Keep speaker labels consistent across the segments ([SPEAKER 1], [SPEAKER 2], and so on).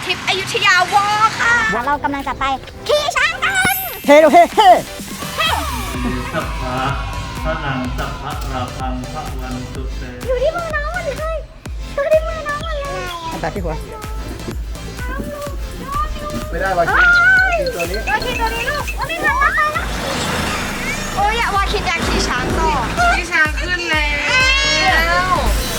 [SPEAKER 1] ริปอยุธยาวอค่ะเรากำลังจะไปขี่ช้างกัน
[SPEAKER 2] เฮ้เฮ้เฮ้
[SPEAKER 3] สัพพะพระนังสัพพะราพังพระวันตุเต
[SPEAKER 1] อยู่ที่มือน้องหมดเลยอยู่ที่มือน้องหมดเลย
[SPEAKER 2] แต่ที่หัว
[SPEAKER 4] ไม่ได้วาคินตัวนี้
[SPEAKER 1] วาคินตัวนี้ลูกวาคินตัวนี้โอ้ยวาคินอยากขี่ช้างต่อขี่ช้างขึ้นแล้ว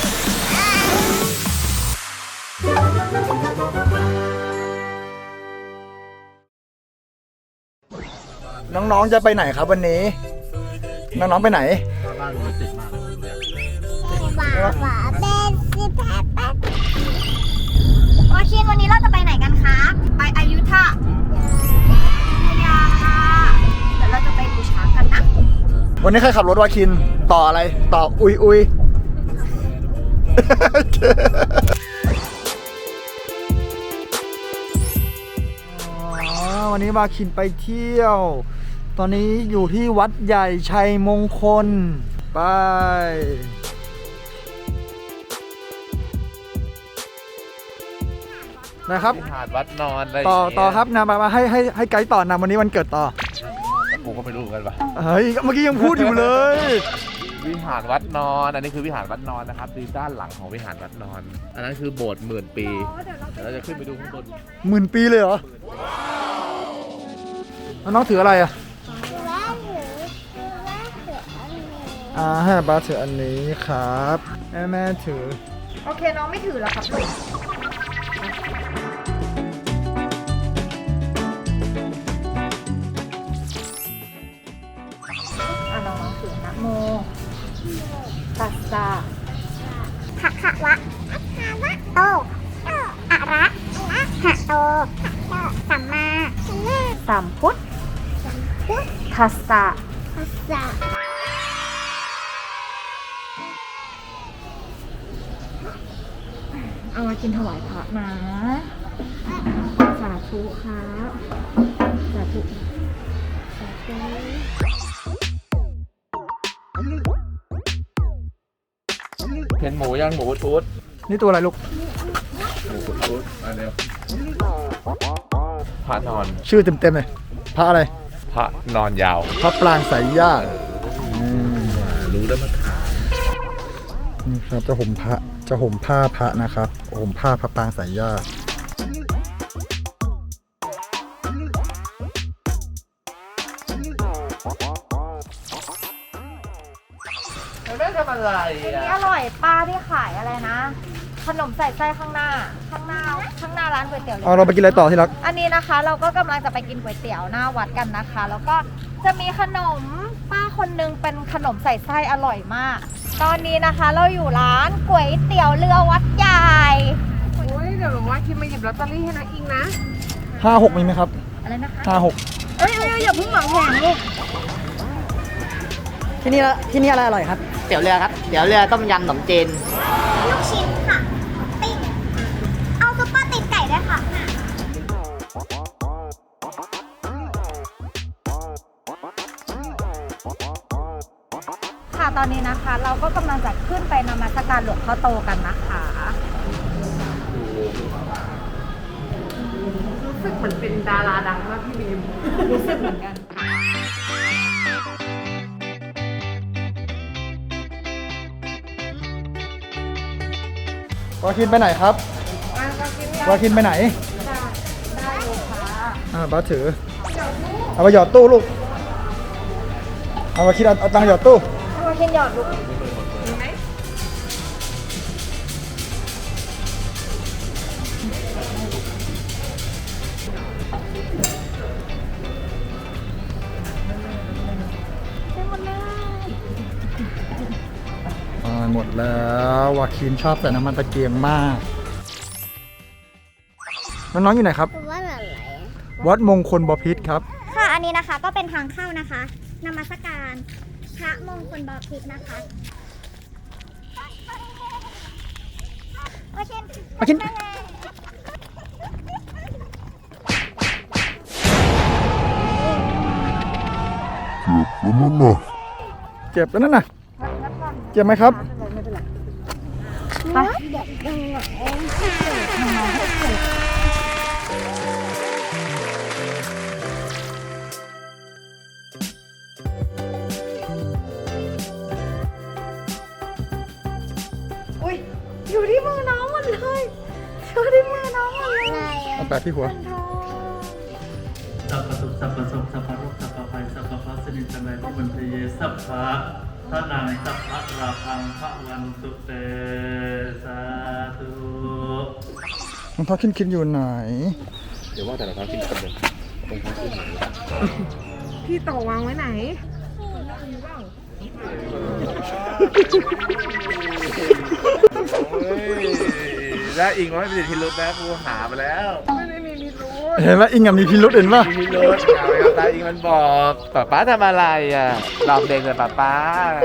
[SPEAKER 2] น้องๆจะไปไหนครับวันนี้น้องๆไปไหน
[SPEAKER 4] บ้านมันติดมากเลย
[SPEAKER 1] โอเควันนี้เราจะไปไหนกันคะไปอยุธยาค่ะเดี๋ยวเราจะไปดูช้างกันนะ
[SPEAKER 2] วันนี้ใครขับรถวาคินต่ออะไรต่ออุยวันนี้วาคินไปเที่ยวตอนนี้อยู่ที่วัดใหญ่ชัยมงคลไปนะครับ
[SPEAKER 4] หาดวัดนอนอะไร
[SPEAKER 2] ต่อครับนะมาให้ไกด์ต่อนำวันนี้วันเกิดต่อ
[SPEAKER 4] ผมก็ไม่รู้กันปะ
[SPEAKER 2] เฮ้ยเมื่อกี้ยังพูดอยู่เลย
[SPEAKER 4] วิหารวัดนอนอันนี้คือวิหารวัดนอนนะครับดูด้านหลังของวิหารวัดนอนอันนั้นคือโบสถ์10,000 ปีเดี๋ยวเราจะขึ้นไปดูข้างบน
[SPEAKER 2] 10,000 ปีเลยเหรอน้องถืออะไรอ่ะให้ป้าถืออันนี้ครับแม่ถือ
[SPEAKER 1] โอเคน้องไม่ถือแล้วครับลูกน้องถือนะโมตัสสะภะคะวะโตอะระหะโตสัมมาสัมพุทธัสสะเอามากินถวายพระนะสาธุครับสาธุ
[SPEAKER 4] เห็นหมูย่างหมูทุด
[SPEAKER 2] นี่ตัวอะไรลูก
[SPEAKER 4] หมูทุดอันเดียวพระนอน
[SPEAKER 2] ชื่อเต็มๆเลยพระอะไร
[SPEAKER 4] พระนอนยาว
[SPEAKER 2] พระปรางสายญาติ
[SPEAKER 4] รู้แล้วมาถาม
[SPEAKER 2] นี่ครับจะห่มผ้าพระนะครับห่มผ้าพระปรางสายญาติ
[SPEAKER 4] ไม่ทำอะไร
[SPEAKER 1] นี่อร่อยป้าที่ขายอะไรนะขนมใส่ไส้ข้างหน้าร้านก๋วยเตี๋ยว
[SPEAKER 2] เราไปกินอะไรต่อที่รัก
[SPEAKER 1] อันนี้นะคะเราก็กำลังจะไปกินก๋วยเตี๋ยวหน้าวัดกันนะคะแล้วก็จะมีขนมป้าคนนึงเป็นขนมใส่ไส้อร่อยมากตอนนี้นะคะเราอยู่ร้านก๋วยเตี๋ยวเรือวัดใหญ่
[SPEAKER 5] โอ้ยเดี๋ยวหนูว่าคิดมาหยิบลอตเตอรี่ให้น้องอิงนะ
[SPEAKER 2] 56มีไหมครับ
[SPEAKER 1] อะไรนะคะ
[SPEAKER 2] 56
[SPEAKER 1] เอ้ยอย่าเพิ่งหวังแหงลูก
[SPEAKER 2] ที่นี่อะไรอร่อยครับ
[SPEAKER 6] เตี๋ยวเรือครับเตี๋ยวเรือต้มยำขนมจีน
[SPEAKER 1] ลูกชิ้นค่ะปิ้งเอาซุปเปอร์ตีนไก่ด้วยค่ะค่ะตอนนี้นะคะเราก็กำลังจะขึ้นไปนมัสการหลวงพ่อโตกันนะคะ
[SPEAKER 5] รู้สึกเหมือนเป็นดาราดังมากพี่บีม
[SPEAKER 1] รู้สึกเหมือนกัน
[SPEAKER 2] วาคินไปไหนครับวาคินไปไหน
[SPEAKER 1] ได้เลยค่ะ
[SPEAKER 2] บ้าถือเอาไปหยอดตู้ลูกเอาวาคินเอาตังค์หยอดตู้
[SPEAKER 1] วาคินหยอดลูกมีไหม
[SPEAKER 2] หมดแล้ววาคินชอบใส่น้ำมันตะเกียงมากน้องๆอยู่ไหนครับ
[SPEAKER 1] วัดอะไร
[SPEAKER 2] วัดมงคลบพิตรครับ
[SPEAKER 1] ค่ะอันนี้นะคะก็เป็นทางเข้านะคะนมัสการพระมงคลบพิตรนะคะวาคิน
[SPEAKER 2] เจ็บแล้วนั่นน่ะเจ็บไหมครับ
[SPEAKER 1] ไป
[SPEAKER 5] ดูที่มือน้องหมดเลย
[SPEAKER 2] เอาแปะที่หัว
[SPEAKER 3] สัพพะสุขสัพพะสุขสัพพะโรคสัพพะภัยสัพพะพัสนิจังไรทุกมันเทเยสัพพะพระนางสัพพะราพังพระวันตุเตสาธุ
[SPEAKER 2] รองเท้าคินอยู่ไหน
[SPEAKER 4] เดี๋ยวว่าแต่เราท้ากินกันเลยตรงท้ากินไหน
[SPEAKER 5] พี่โตวางไว้ไหน
[SPEAKER 4] ได้อิงว่าไม่เป็นพิรุธนะกูหามาแล้ว
[SPEAKER 5] ไม่ได้มีพิรุธ
[SPEAKER 2] เห็นว่าอิงมีพิรุษเห็นป่ะ
[SPEAKER 4] มีพิรุธเอาไปเอาตาอิงมันบอกป๊าทำอะไรอ่ะหลอกเด็กเลยป๊า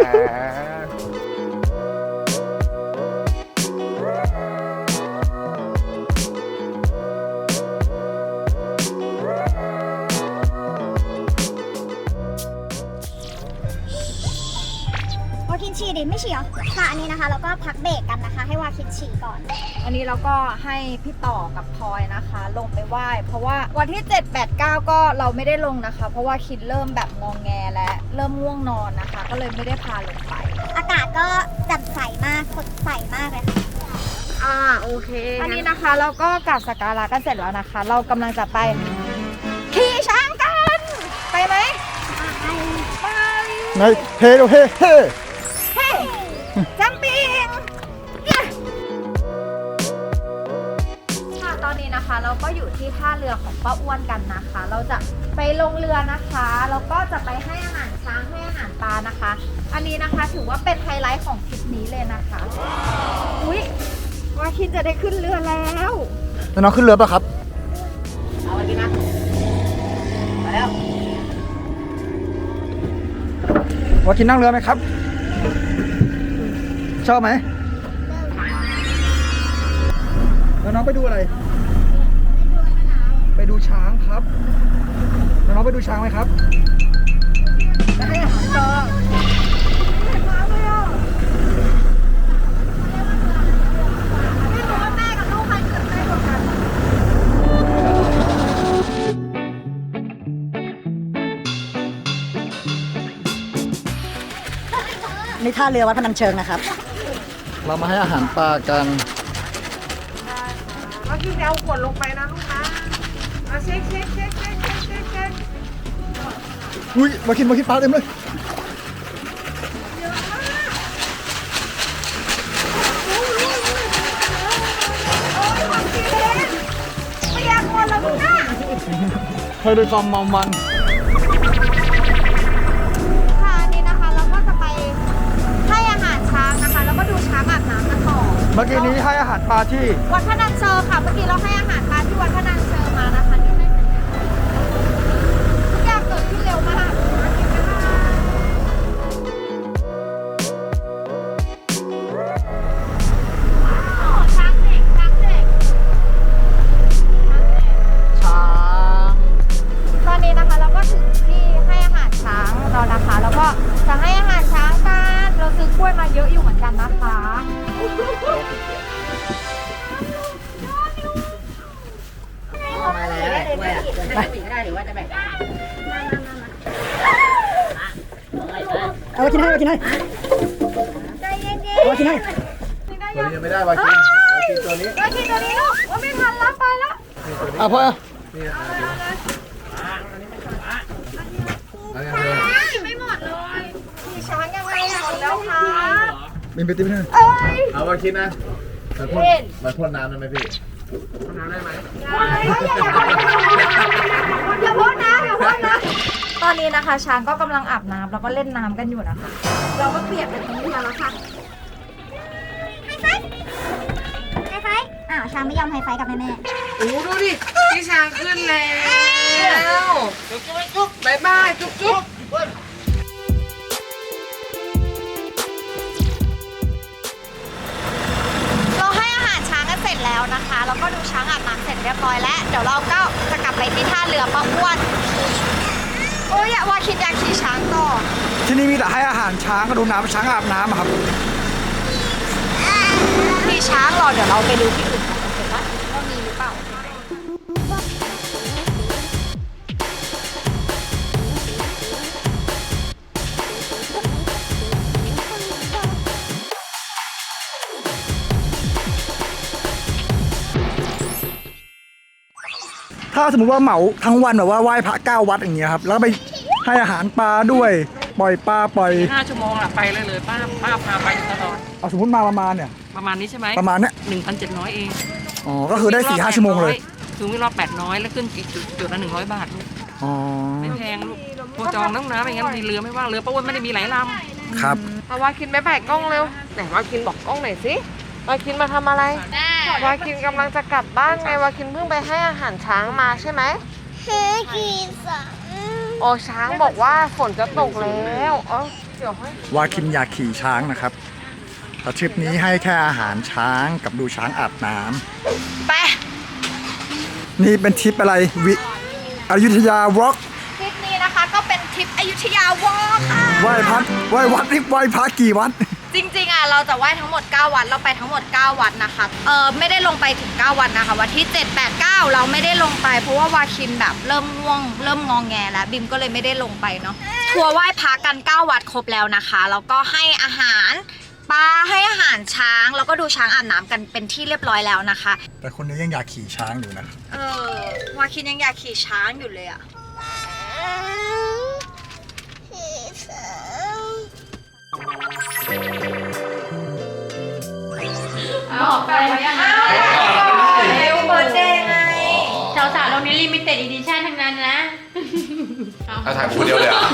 [SPEAKER 1] วาคินฉี่ดิไม่ฉี่เหรอค่ะอันนี้นะคะเราก็พักเบรกกันนะคะ ให้วาคินฉี่ก่อน อันนี้เราก็ให้พี่ต่อกับพลอยนะคะ ลงไปไหว้เพราะว่าวันที่ 7 8 9 ก็เราไม่ได้ลงนะคะ เพราะว่าคิดเริ่มแบบงองแงและเริ่มง่วงนอนนะคะ ก็เลยไม่ได้พาลงไป อากาศก็แจ่มใสมากสดใสมากเลยค่ะ
[SPEAKER 5] โอเค
[SPEAKER 1] อันนี้นะคะเราก็กราบสักการะกันเสร็จแล้วนะคะ เรากำลังจะไปขี่ช้างกัน ไปไหมไป
[SPEAKER 2] ในเฮ้เฮ้เฮ้
[SPEAKER 1] เฮ้จัมปิงค่ะตอนนี้นะคะเราก็อยู่ที่ท่าเรือของป้าอ้วนกันนะคะ เราจะไปลงเรือนะคะแล้วก็จะไปให้อาหารช้างให้อาหารปลานะคะ อันนี้นะคะถือว่าเป็นไฮไลท์ของทริปนี้เลยนะคะอุ๊ยว่าคิดจะได้ขึ้นเรือแล้ว
[SPEAKER 2] แล้วน้องขึ้นเรือป่ะครับ
[SPEAKER 6] เอาไปกินนะไปแล้ว
[SPEAKER 2] ว่ากินนั่งเรือไหมครับ ชอบไหมแล้วน้องไปดูอะไร ไปดูช้างครับแล้วน้องไปดูช้างไหมครับ
[SPEAKER 1] จะให้อาหารปลาเห็นมาเลยอ่ะไม่รู้ว่าแม่กับลูกใครตื่นเต้นกว่ากัน
[SPEAKER 7] นี่ท่าเรือวัดพนัญเชิงนะครับ
[SPEAKER 2] เรามาให้อาหารปลากัน
[SPEAKER 5] แล้วพี่จะเอาขวดลงไปนะลูกนะเอาเช็คเช็คเช็คเช็คเช็คเช็คเช็ค
[SPEAKER 2] อุ้ยมากินปลาเต็มเลย
[SPEAKER 1] ไม่อยากหมดแล้วลูกนะ
[SPEAKER 2] ให้ด้วยความเมามัน
[SPEAKER 1] ค่ะอันนี้นะคะเราก็จะไปให้อาหารช้างนะคะ แล้วก็ดูช้างอาบน้ำกันต่อ
[SPEAKER 2] เมื่อกี้นี้ให้อาหารปลาที่
[SPEAKER 1] วัดพนัญเชิงค่ะ เมื่อกี้เราให้อาหารปลาที่วัดพนัญเชิงมานะคะที่ให้ทุกอย่างเกิดขึ้นเร็วมากช้างเด็กช้างเด็ก
[SPEAKER 2] ช้าง
[SPEAKER 1] ตอนนี้นะคะเราก็ถึงที่ให้อาหารช้างเรานะคะ แล้วก็จะให้อาหารช้างกันเราซื้อกล้วยมาเยอะอยู่เหมือนกันนะคะ
[SPEAKER 6] มาแล้วกล้วยอ่ะไปได้หรือว่าจะแบ่ง
[SPEAKER 7] เอาไปกินให้เอาไปกินให้
[SPEAKER 1] ใจเย็น
[SPEAKER 7] เอาไปกินให้
[SPEAKER 4] ตัวนี้ยังไม่ได้วากินตัวนี้
[SPEAKER 1] ๆเรากินตัวนี้ลูกว่าไม่ทันแล้วไปแล้ว
[SPEAKER 2] อ่ะพ่อ
[SPEAKER 1] ไม่หมดเลยมีช้างยังไงอะหมดแล้วค่ะ
[SPEAKER 2] บินไปติ๊บนึง
[SPEAKER 1] เอ้ย
[SPEAKER 4] เอาวากินนะมาพ่นน้ำได้ไหมพี่
[SPEAKER 1] อย่าพูดนะอย่าพูดนะ ตอนนี้นะคะ ช้างก็กำลังอาบน้ำแล้วก็เล่นน้ำกันอยู่นะคะ เราก็เปียกเป็นทั้งเรือแล้วค่ะไฮไฟอ้าวช้างไม่ยอมไฮไฟกับแม่
[SPEAKER 5] โอ้ดูดิพี่ช้างขึ้นแล้วจุ๊บจุ๊บจุ๊บบายบายจุ๊บจุ๊บ
[SPEAKER 1] เราให้อาหารช้างกันเสร็จแล้วนะคะแล้วก็ดูช้างอาบน้ำเสร็จเรียบร้อยแล้วเดี๋ยวเราก็จะกลับไปที่ท่าเรือป้าอ้วนโอ้ยอยากว่าคิดอยากขี่ช้างต่อ
[SPEAKER 2] ที่นี่มีแต่ให้อาหารช้างก็ดูน้ำช้างอาบน้ำอะครับ
[SPEAKER 1] ขี่ช้างรอเดี๋ยวเราไปดูที่อื่นกันโอเคปะว่ามีหรือเปล่า
[SPEAKER 2] ถ้าสมมติว่าเหมาทั้งวันแบบว่าไหว้พระ9 วัดอย่างเงี้ยครับแล้วไปให้อาหารปลาด้วยปล่อยปลาปล่อย
[SPEAKER 5] 5 ชั่วโมงอะไปเลยป้าพาไปตลอด
[SPEAKER 2] เอาสมมติมาประมาณเนี่ย
[SPEAKER 5] ประมาณนี้ใช่ไหม
[SPEAKER 2] ประมาณเนี้ย
[SPEAKER 5] 1,700 เอง
[SPEAKER 2] อ๋อก็คือได้4-5 ชั่วโมงเลย
[SPEAKER 5] ถึงวิ่งรอบ800แล้วขึ้นอีกจุดละ100 บาทลูก
[SPEAKER 2] อ๋อ
[SPEAKER 5] ไม่แพงลูกโทรจองน้ำน้ำอย่างงั้นมีเรือไม่ว่างเรือป้าอ้วนไม่ได้มีหลายล
[SPEAKER 2] ครับ
[SPEAKER 5] ำเอาวาคินไปกล้องเร็วไหนวาคินบอกกล้องหน่อยสิวาคินมาทำอะไรวาคินกำลังจะกลับบ้านไงวาคินเพิ่งไปให้อาหารช้างมาใช่ไหมโอ้ช้างบอกว่าฝนจะตกแล้วเดี๋ยวให้
[SPEAKER 2] วาคินอยากขี่ช้างนะครับแต่ทริปนี้ให้แค่อาหารช้างกับดูช้างอาบน้ำ
[SPEAKER 1] ไป
[SPEAKER 2] นี่เป็นทริปอะไรอยุธยาวอล์ก
[SPEAKER 1] ทริปนี้นะคะก็เป็นทริปอยุธยาวอล์กค่ะ
[SPEAKER 2] ไหว้วัดไหว้พระกี่วัด
[SPEAKER 1] จริงๆอ่ะเราจะไหว้ทั้งหมด9 วัดเราไปทั้งหมด9 วัดนะคะไม่ได้ลงไปถึง9 วัดนะคะวันที่7 8 9เราไม่ได้ลงไปเพราะว่าวาคินแบบเริ่มง่วงเริ่มงองแงแล้วบิมก็เลยไม่ได้ลงไปเนาะทัวร์ไหว้พระกัน9 วัดครบแล้วนะคะแล้วก็ให้อาหารปลาให้อาหารช้างแล้วก็ดูช้างอาบน้ำกันเป็นที่เรียบร้อยแล้วนะคะ
[SPEAKER 2] แต่คนนี้ยังอยากขี่ช้างอยู่นะ
[SPEAKER 1] วาคินยังอยากขี่ช้างอยู่เลยอ่ะออกไปยังเร็วเบิร์ดเดย์ไง
[SPEAKER 8] สาวๆเราเนี้ลิมิเต็ดอีดิชั่นทั้งนั้นนะ
[SPEAKER 4] ถ้าถ่ายคนเดียวเลยอ่ะ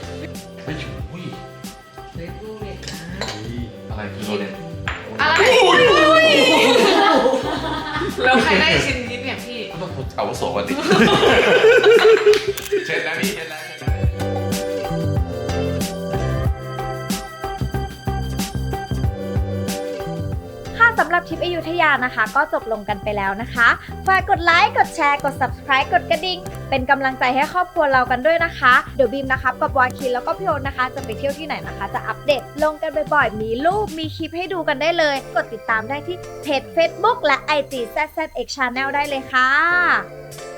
[SPEAKER 4] อะไรคือโรเล็ต
[SPEAKER 5] แล้วใครได้ชิ้นนี้เนี่ยพี่
[SPEAKER 4] ต้องเอาวุโสก่อนดิเช็ดแล้วพี่เช็ดแล้ว
[SPEAKER 1] ค่ะสำหรับทริปอยุธยานะคะ ก็จบลงกันไปแล้วนะคะฝากกดไลค์กดแชร์กด subscribe กดกระดิ่งเป็นกำลังใจให้ครอบครัวเรากันด้วยนะคะเดี๋ยวบีมนะคะกับวาคินแล้วก็พี่โอ๊ตนะคะจะไปเที่ยวที่ไหนนะคะ จะอัปเดตลงกันบ่อยๆมีรูปมีคลิปให้ดูกันได้เลยกดติดตามได้ที่เพจ Facebook และ IG ZZX Channel ได้เลยค่ะ